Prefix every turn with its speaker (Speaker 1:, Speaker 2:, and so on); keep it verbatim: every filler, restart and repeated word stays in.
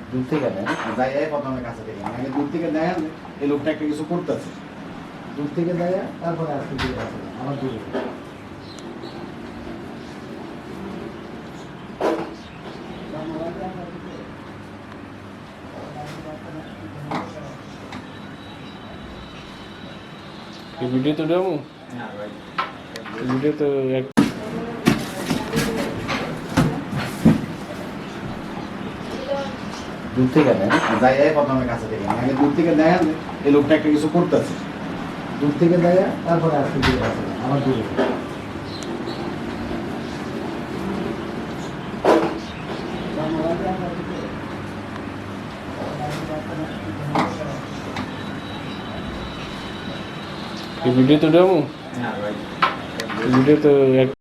Speaker 1: দূর থেকে দেয় যাই প্রথমে কাছে থেকে আগে দূর থেকে দেয় এই লোকটা একটা কিছু করতেছে দূর থেকে দেয় তারপরে আসতে দিয়ে আসে আমার দূরে
Speaker 2: वीडियो तो डालूं वीडियो तो एक
Speaker 1: দূর থেকে দেয় যাই প্রথমে কাছে থেকে আগে দূর থেকে দেয় এই লোকটা একটা কিছু করতেছে দূর থেকে দেয় তারপরে আসতে দিয়ে আসে আমার দূরে
Speaker 2: वीडियो तो डालूं वीडियो तो एक